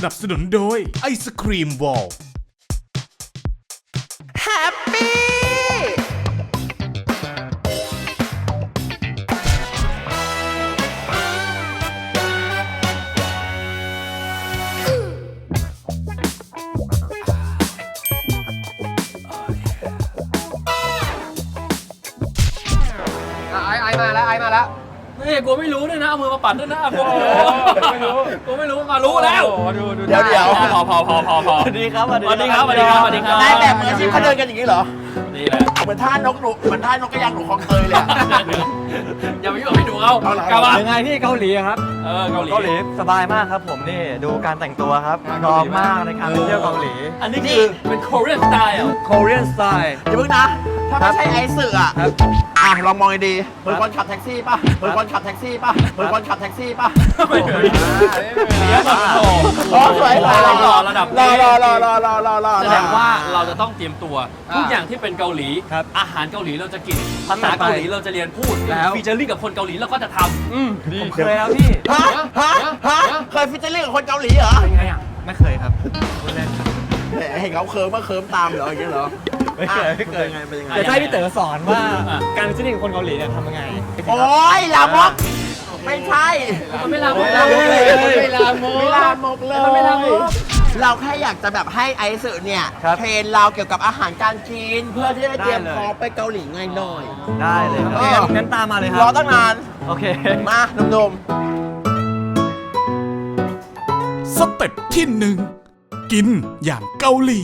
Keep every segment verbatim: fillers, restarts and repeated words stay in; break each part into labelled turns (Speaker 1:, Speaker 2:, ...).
Speaker 1: นับสนุนโดยไอศครีมวอล
Speaker 2: แฮปปี้ไอไอมาแล้วไอมาแล้ว
Speaker 3: นี่กูไม่รู้ด้วยนะเอามือมาปัดด้วยนะกูไม่รู้กูไม่รู้มารู้แล้ว
Speaker 2: เดี๋ยวเดี๋ยว
Speaker 3: พอพอพอพอพอสวัสดีครับสวัสดีครับสวัสดีครับสวัสดีครับ
Speaker 2: นายแบบมืออาชีพเขาเดินกันอย่างนี้เหรอ
Speaker 3: นี่แหละ
Speaker 2: เหมือนท่านกหนูเหมือนท่านกกระยางหนูคลองเตยเลย
Speaker 3: อย่าไปยุ่งให้ดูเขากลับมา
Speaker 4: ยังไงที่เกาหลีครับ
Speaker 3: เออเกาหลี
Speaker 4: เกาหลีสบายมากครับผมนี่ดูการแต่งตัวครับพร้อมมากในการไปเที่ยวเกาหลี
Speaker 3: อันนี้คือเป็น Korean style
Speaker 4: Korean style
Speaker 2: อย่าเพิ่งนะถ้าไม่ใช่ไอซ์สื่ออ่ะอ่ะลองมองดีเหมือนคนขับแท็กซี่ป่ะเหมือนคนขับแท็กซี่ป่ะเหมือนคนขับแท็กซี่ป่ะ
Speaker 3: ไม่เหมือนนี่แบบโถ
Speaker 2: สวยรอ
Speaker 3: ระดับ
Speaker 2: รอรอรอรอรอรอรอ
Speaker 3: แสดงว่าเราจะต้องเตรียมตัวทุกอย่างที่เป็นเกาหลีอาหารเกาหลีเราจะกินภาษาเกาหลีเราจะเรียนพูดแล้วฟีเจอริ่งกับคนเกาหลีเราก็จะทำ
Speaker 4: อืมดีเคยแล้วพี่
Speaker 2: ฮะฮะฮะเคยฟีเจอริ่งกับคนเกาหลีเหรอ
Speaker 3: เป็นไงอ่ะ
Speaker 4: ไม่เคยครับเล่นครับ
Speaker 2: เห็นเขาเคิร์มว่าเคิร์มตามเหรออย่างเงี้ยเหรอ
Speaker 4: ไม่เคยไม่เคยไงเป็นยังไงจะให้พี่เต๋อสอนว่าการฟีเจอริ่งกับคนเกาหลีเนี่ยทำยังไง
Speaker 2: โอ้ยลามกไม่ใช่
Speaker 3: ไม่ลามกเลยไม่ลามก
Speaker 2: ไม่ลามกเลย
Speaker 3: ไม่ลามก
Speaker 2: เราแค่อยากจะแบบให้ไอซ์สื่อเนี่ยเทรนเราเกี่ยวกับอาหารการกินเพื่อที่จะเตรียมพร้อมไปเกาหลีง่ายหน่อย
Speaker 4: ได้เลยครับงั้นตามมาเลยครับ
Speaker 2: รอตั้งนาน
Speaker 4: โอเค
Speaker 2: มาหนุ่ม
Speaker 1: สเต็ปที่หนึ่งกินอย่างเกาหลี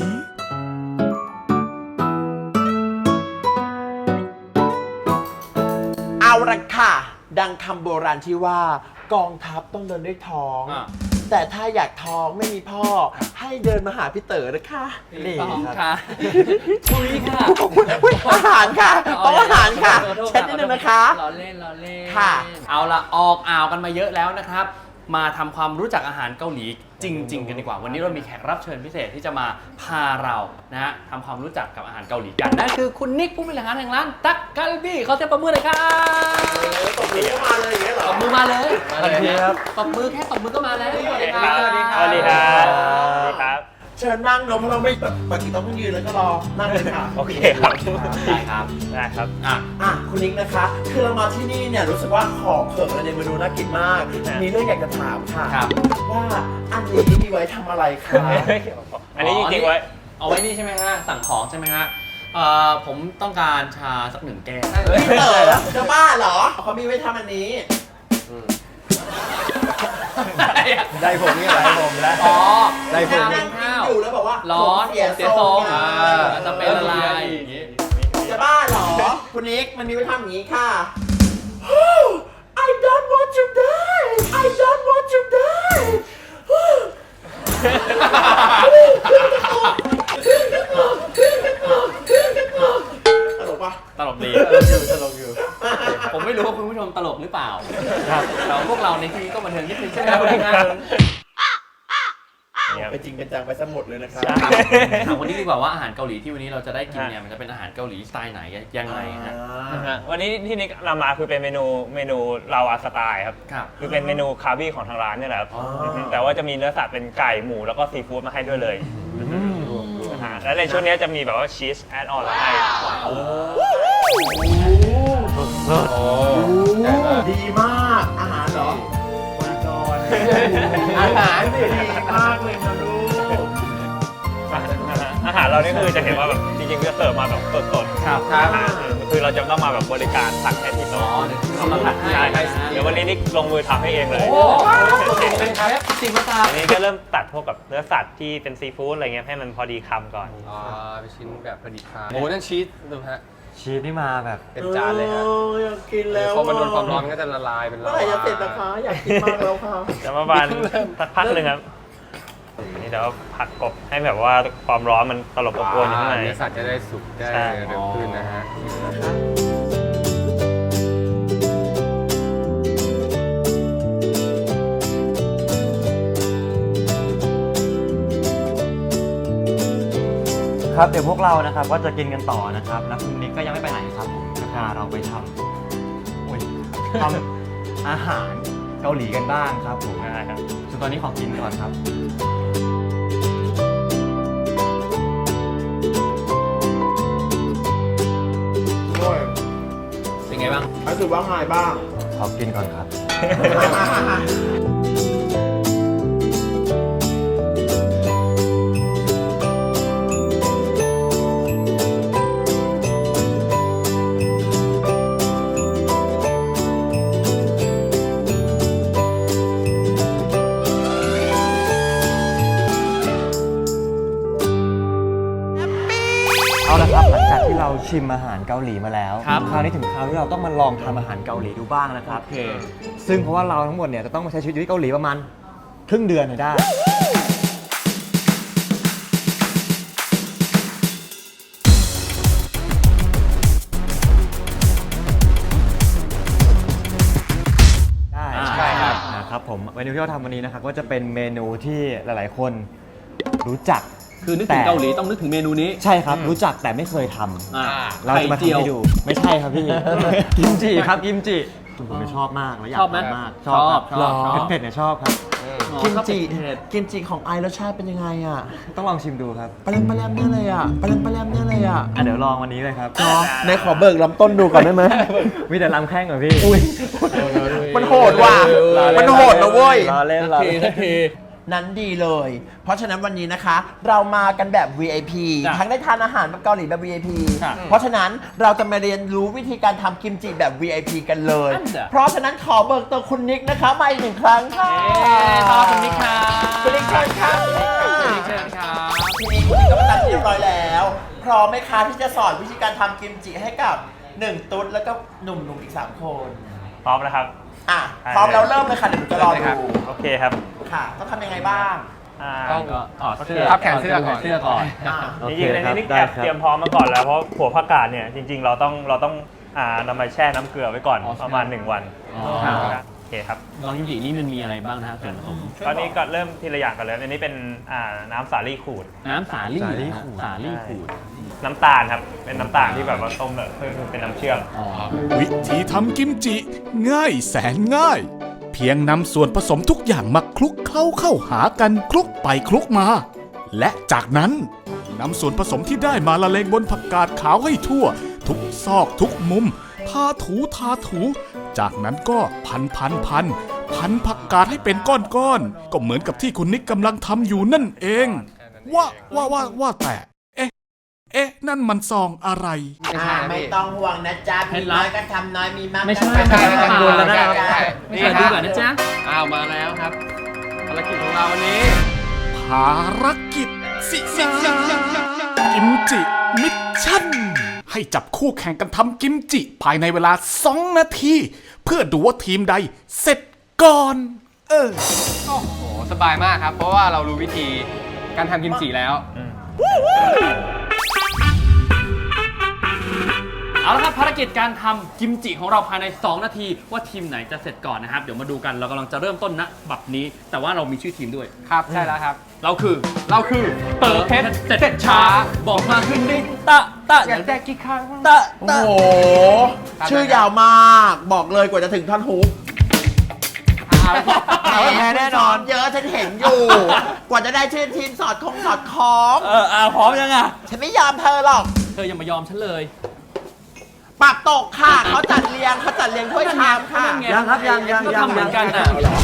Speaker 2: เอาละค่ะดังคำโบราณที่ว่ากองทัพต้องเดินด้วยท้องแต่ถ้าอยากท้องไม่มีพ่อให้เดินมาหาพี่เต๋อนะคะ
Speaker 3: นี่ค่ะคุยค่ะ
Speaker 2: อาหารค่ะต้องอาหารค่ะเช็ดนิดนึงนะคะ
Speaker 3: รอเล่นรอเล่น
Speaker 2: ค่ะ
Speaker 3: เอาละออกอ่าวกันมาเยอะแล้วนะครับมาทำความรู้จักอาหารเกาหลีจริงๆกันดีกว่าวันนี้เรามีแขกรับเชิญพิเศษที่จะมาพาเรานะฮะทำความรู้จักกับอาหารเกาหลีกันนั่นคือคุณนิกผู้บริหารแห่งร้านตักกาลบี้เขาเสียงปรบมือเลยครับ
Speaker 2: ตบมือมาเลยอย่างเงี้ยเหรอ
Speaker 3: ตบมือมาเลย
Speaker 4: ครับ
Speaker 3: ตบมือแค่ตบมือก็มาแล้ว
Speaker 4: สวัสดีครับสวัสดีครับสวัสดีครับสวัสดีครับ
Speaker 2: เชิญนั่งเนาะเพราะเราไม่แบบปกติต้องยืนแล้วก็รอนั่งเลยค่ะ
Speaker 4: โอเคครับ
Speaker 3: ได้ครับ
Speaker 4: ได้ครับ
Speaker 2: อ่ะอ่ะคุณนิกนะคะคือเรามาที่นี่เนี่ยรู้สึกว่าของเขิงอะไรในเมนูน่ากินมากมีเรื่องอยากจะถามค่ะว่าอันนี้มีไว้ทำอะไรคะ
Speaker 4: อันนี้จริงๆไว้
Speaker 3: เอาไว้นี่ใช่ไหมฮะสั่งของใช่ไหมฮะเอ่อผมต้องการชาสักหนึ่งแก้ว
Speaker 2: พี่เต๋อจะบ้าเหรอเขามีไว้ทำอันนี้
Speaker 4: ได้ผมนี่ได้ผมแล้ว
Speaker 3: อ๋อ
Speaker 2: ได้ผมนั่งกินอยู่แล้วบอกว่า
Speaker 3: ร้อนเสียทรงอ่าจะเป็นอะไรอย่างงี้
Speaker 2: จะบ้าเหรอคุณนิกมันมีไว้ทำอย่างนี้ค่ะ I don't want to die I don't want to die ตลกปะ
Speaker 3: ตลกดี
Speaker 4: ตลกอยู่
Speaker 3: ผมไม่รู้ว่าคุณผู้ชมตลกหรือเปล่าครับแต่พวกเราในที่นี้ก็บันเทิงนิดนึงใช่ไหมคุณนิก
Speaker 2: ไปจริงเป็นจังไปสมุดเลยนะครับ
Speaker 3: ถามวันนี้ดีกว่าว่าอาหารเกาหลีที่วันนี้เราจะได้กินเนี่ยมันจะเป็นอาหารเกาหลีสไตล์ไหนยังไงฮะ
Speaker 4: วันนี้ที่นิกนำมาคือเป็นเมนูเมนูลาวาสไตล์ครับคือเป็นเมนูคาร์บี้ของทางร้านนี่แหละแต่ว่าจะมีเนื้อสัตว์เป็นไก่หมูแล้วก็ซีฟู้ดมาให้ด้วยเลยและในช่วงนี้จะมีแบบว่าชีสแอดออนให้
Speaker 2: ดีมากอาหารเหรอมาก่อนอาหารดีมากเลยนะลูก
Speaker 4: อาหารเรานี่คือจะเห็นว่าแบบจริงๆจะเสิร์ฟมาแบบสดๆครับคือเราจะต้องมาแบบบริการตักแค่ที่โต๊ะ
Speaker 3: ทำมาตักให้
Speaker 4: เดี๋ยววันนี้นี่ลงมือทำให้เองเลย
Speaker 3: เป็นครับสิ่งมาตา
Speaker 4: อันนี้ก็เริ่มตัดพวกกับเนื้อสัตว์ที่เป็นซีฟู้ดอะไรเงี้ยให้มันพอดีคำก่อน
Speaker 3: อ๋อเป็นชิ้นแบบพอดีคำโอ้นั่นชีสดูฮะ
Speaker 4: ชีสที่มาแบบ
Speaker 3: เป็นจานเลยฮะ
Speaker 2: อยากกินแล้ว
Speaker 3: พอมันโดนความร้อนก็จะละลายเป็น
Speaker 2: ลาวาอยากเสร็จนะคะอยากกินมากแล้วค่ะ
Speaker 4: จะมาบานสักพักหนึ่งครับอันนี้เดี๋ยวผัดกบให้แบบว่าความร้อนมันตลบอบอวนอยู่ข้างใน
Speaker 3: เนื้อสัตว์จะได้สุกได้เร็วขึ้นนะฮะ
Speaker 4: ครับเดี๋ยวพวกเรานะครับก็จะกินกันต่อนะครับแล้วคุณนิกก็ยังไม่ไปไหนครับผมจะพาเราไปทำทำอาหารเกาหลีกันบ้างครับผมนะครับส่วนตอนนี้ขอกินก่อนครับ
Speaker 2: รู้สึกว่าไงบ้าง
Speaker 5: ขอกินก่อนครับ เอาละครับหลังจากที่เราชิมอาหารเกาหลีมาแล้ว
Speaker 3: ครับ
Speaker 5: คราวนี้ถึงคราวที่เราต้องมาลองทำอาหารเกาหลีดูบ้างนะครับ
Speaker 3: โอเค
Speaker 5: ซึ่งเพราะว่าเราทั้งหมดเนี่ยจะต้องมาใช้ชีวิตอยู่ที่เกาหลีประมาณครึ่งเดือนให้ได้ ได้
Speaker 3: ใช่ครับ
Speaker 5: นะครับผมเมนูที่เราทำวันนี้นะครับก็จะเป็นเมนูที่หลาย ๆ คนรู้จัก
Speaker 3: คือนึกถึงเกาหลีต้องนึกถึงเมนูนี้
Speaker 5: ใช่ครับ รู้จักแต่ไม่เคยทำ
Speaker 3: อ่า
Speaker 5: เราจะมา
Speaker 3: ไข่เจี
Speaker 5: ทำ
Speaker 3: ยว
Speaker 5: ให้ดู ไม่ใช่ครับพี่ กิมจิครับกิมจิผมชอบมากแล้วอยาก
Speaker 3: ชอบไหม
Speaker 5: ทำมาก
Speaker 3: ชอบ
Speaker 5: ครับ
Speaker 3: ชอบชอบ
Speaker 5: เผ็ดๆเนี่ยชอบครับ
Speaker 2: กิมจิกิมจิของไอรสชาติเป็นยังไงอ่ะ
Speaker 5: ต้องลองชิมดูครับ
Speaker 2: ปลาแรมปลาแรมเนี่ยเลยอ่ะปลาแรมปลาแรมเนี่ยเลยอ่ะ
Speaker 5: อ่ะเดี๋ยวลองวันนี้เลยครับ
Speaker 2: ในขอเบิกลำต้นดูก่อนได้ไหม
Speaker 5: มีแต่ลำแข้งเหรอพี่
Speaker 2: มันโหดว่ะ มันโหดนะเว้ย
Speaker 5: รอเล่นรอเล่น
Speaker 2: นั้นดีเลย เพราะฉะนั้นวันนี้นะคะ เรามากันแบบ วี ไอ พี
Speaker 3: จ้ะ
Speaker 2: ทั้งได้ทานอาหารแบบเกาหลีแบบ วี ไอ พี
Speaker 3: ค่ะ
Speaker 2: เพราะฉะนั้นเราจะมาเรียนรู้วิธีการทำกิมจิแบบ วี ไอ พี กันเลย
Speaker 3: อันเดอะ
Speaker 2: เพราะฉะนั้นขอเบิกตัวคุณนิกนะคะมาอีกหนึ่งครั้งค่ะ
Speaker 3: ขอบคุณนิกครับ
Speaker 2: คุณนิกเชิญค่ะ
Speaker 3: คุณนิกเชิญครับ
Speaker 2: ทีนี้คุณนิกก็มาตัดที่เรียบร้อยแล้ว พร้อมไหมคะที่จะสอนวิธีการทำกิมจิให้กับหนึ่งตุ๊ดแล้วก็หนุ่มๆอีกสามคน
Speaker 4: พร้อมนะครับ
Speaker 2: อ่ะพร้อมแล้วเริ่มเลยค่ะเดี๋ยวหนูจะรอดู
Speaker 4: โอเคครับ
Speaker 2: ค่ะ ต้องทำยังไงบ้าง
Speaker 4: อ่า
Speaker 3: ก็ถอดเสื้อ
Speaker 4: พับ
Speaker 3: แขนเสื้อก่อนเสื้อก่อน
Speaker 2: อ่ะ
Speaker 5: โอ
Speaker 4: จ
Speaker 5: เค
Speaker 4: ริงๆใน
Speaker 5: ครับ
Speaker 4: นี้
Speaker 5: ได้
Speaker 4: แอบ
Speaker 5: ครับ
Speaker 4: เตรียมพร้อมมาก่อนแล้วเพราะหัวผักกาดเนี่ยจริง ๆ เราต้องเราต้องอ่านำมาแช่น้ำเกลือไว้ก่อน
Speaker 3: อ๋อ
Speaker 4: ประมาณหนึ่งวัน
Speaker 3: อ๋อครับ
Speaker 4: โอเคครับ
Speaker 3: ลองกิมจินี่มันมีอะไรบ้างนะฮะส่วนผสม
Speaker 4: ตอนนี้ก็เริ่มทีละอย่างกันเลยอันนี้เป็นอ่าน้ำสาลี่ขูด
Speaker 3: น้ำสาลี่
Speaker 5: สาลี่
Speaker 3: นะฮะ
Speaker 5: ขูด
Speaker 3: สาลี่ขูด
Speaker 4: น้ำตาลครับ เป็นน้ำตาลที่แบบว่าต้มแบบเพื่อเป็นน้ำเชื่อม
Speaker 3: อ๋อ
Speaker 1: วิธีทำกิมจิ ง่ายแสนง่าย เพียงนำส่วนผสมทุกอย่างมาคลุกเคล้าเข้าหากันคลุกไปคลุกมา และจากนั้นนำส่วนผสมที่ได้มาละเลงบนผักกาดขาวให้ทั่ว ทุกซอกทุกมุม ทาถูทาถู จากนั้นก็พันพันพันพันผักกาดให้เป็นก้อนๆก็เหมือนกับที่คุณนิกกำลังทำอยู่นั่นเอง ว่าว่าว่าว่าแต่ เอ๊ะ เอ๊ะ นั่นมันซองอะไร
Speaker 2: อ่าไม่ต้องห่วงนะจ๊ะ
Speaker 3: เคล็
Speaker 2: มี
Speaker 3: ดลับ
Speaker 2: น้อยก็ทำน้อยมีมาก
Speaker 3: ไม่ใช่
Speaker 2: ก็ทำ
Speaker 3: ไม่ใช่
Speaker 2: กังวลแล้วนะ
Speaker 3: ไม่ใช่ดูก่อนนะจ๊ะ
Speaker 6: อ้าวมาแล้วครับภารกิจของเราวันนี้
Speaker 1: ภารกิจสินะกิมจิมิชชั่น ให้จับคู่แข่งกันทำกิมจิภายในเวลาสองนาที เพื่อดูว่าทีมใดเสร็จก่อน เออ
Speaker 6: โอ้โห สบายมากครับ เพราะว่าเรารู้วิธีการทำกิมจิแล้ว
Speaker 3: เอาละครับภารกิจการทำกิมจิของเราภายในสองนาทีว่าทีมไหนจะเสร็จก่อนนะครับ เดี๋ยวมาดูกันเรากำลังจะเริ่มต้นณบัดนี้ แต่ว่าเรามีชื่อทีมด้วย
Speaker 6: ครับ ใช่แล้วครับ
Speaker 3: เราคือ
Speaker 6: เราคือเต๋อเพชร
Speaker 3: เสร็จช้า บอกมาขึ้นดิตะตะ
Speaker 6: อยากแตกกี่ครั้ง
Speaker 2: ตะโอ้โห ชื่อยาวมาก บอกเลยกว่าจะถึงท่อนฮุก
Speaker 6: เอาแพ้แน่นอน
Speaker 2: เยอะฉันเห็นอยู่ กว่าจะได้ชื่อทีมสอดคงสอดคล้อง
Speaker 3: เอออ่าพร้อมยังอ่ะ
Speaker 2: ฉันไม่ยอมเธอหรอก
Speaker 3: เธออย่ามายอมฉันเลย
Speaker 2: ปรับตกค่ะ เขาจัดเรียงเขาจัดเรียงถ้วยชามค่ะ
Speaker 3: นั่นไง
Speaker 5: ยังครับยังยัง
Speaker 3: ก็
Speaker 5: ยัง
Speaker 3: ทำเหมือนกันอ่ะ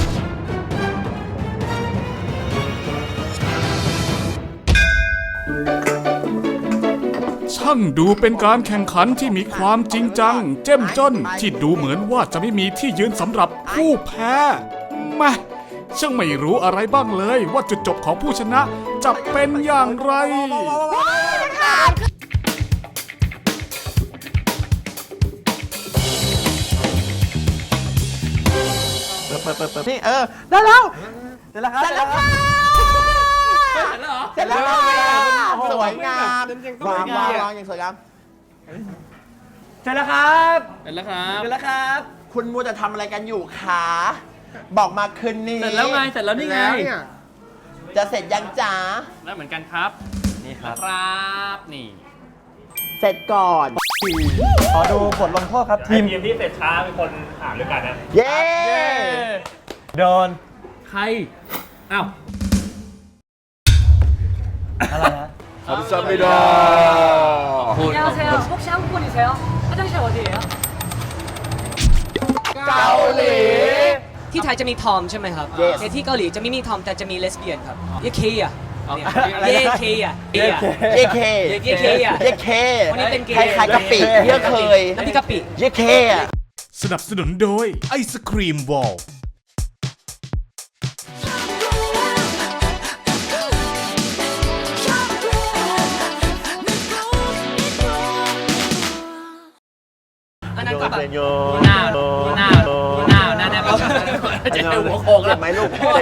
Speaker 1: ช่างดูเป็นการแข่งขันที่มีความจริงจัง เจ้มจนที่ดูเหมือนว่าจะไม่มีที่ยืนสำหรับผู้แพ้แม่ช่างไม่รู้อะไรบ้างเลยว่าจุดจบของผู้ชนะจะเป็นอย่างไร
Speaker 2: นี่เออ ได้แล้ว
Speaker 5: เสร็จแล้วครับ
Speaker 2: เสร็จแล้วค่ะ
Speaker 3: เสร็จแล้วเหรอ
Speaker 2: เสร็จแล้วค่ะ
Speaker 6: โอ้โห
Speaker 2: สวยงาม
Speaker 6: ยังก็
Speaker 2: วาง
Speaker 6: ไม่ดี
Speaker 2: วาง
Speaker 6: อะ
Speaker 2: วางอย่างสวยงาม
Speaker 5: เสร็จแล้วครับ
Speaker 3: เสร็จแล้วครับ
Speaker 5: เสร็จแล้วครับ
Speaker 2: คุณมัวจะทำอะไรกันอยู่คะบอกมาคืนนี้
Speaker 3: เสร็จแล้วไง เสร็จแล้วนี่ไง
Speaker 6: แล้วเนี่ย
Speaker 2: จะเสร็จยังจ๋า
Speaker 3: ได้เหมือนกันครับ
Speaker 5: นี่ครับ
Speaker 3: ครับนี่
Speaker 2: เสร็จก่อน
Speaker 5: ขอดูบทลงโทษครับ
Speaker 4: ที
Speaker 5: ที
Speaker 4: ม
Speaker 5: ม
Speaker 4: ทีมที่เสร็จช้าเป็นคนอ่านด้วยกันนะ
Speaker 2: เย้
Speaker 5: โดน
Speaker 3: ใคร อ้าว
Speaker 5: อะไรนะ
Speaker 2: 감사합니다.
Speaker 7: 안녕하세요. 혹시 한국분이세요? 화장실 어디예요?
Speaker 2: เกาหลี
Speaker 7: ที่ไทยจะมีทอมใช่ไหมครับ
Speaker 2: Yes
Speaker 7: แต่ที่เกาหลีจะไม่มีทอมแต่จะมีเลสเบี้ยนครับเยเคอะ
Speaker 6: อ๋อ
Speaker 7: เนี่ยเยเคอะเยอะ
Speaker 2: เยเค
Speaker 7: เยเคอะ
Speaker 2: เยเค
Speaker 7: วันนี้เป็นเกย์
Speaker 2: คล้ายๆกะปิเยอะเคย
Speaker 7: น้ำพริกกะปิ
Speaker 2: เยเคอะ
Speaker 1: สนับสนุนโดยไอศครีมวอล
Speaker 7: อันนั้นก็แบบ
Speaker 3: หน้าหน้าหน้าหน้าหน้าจะเป็นหัวโขกแล้ว
Speaker 2: ไหมลูก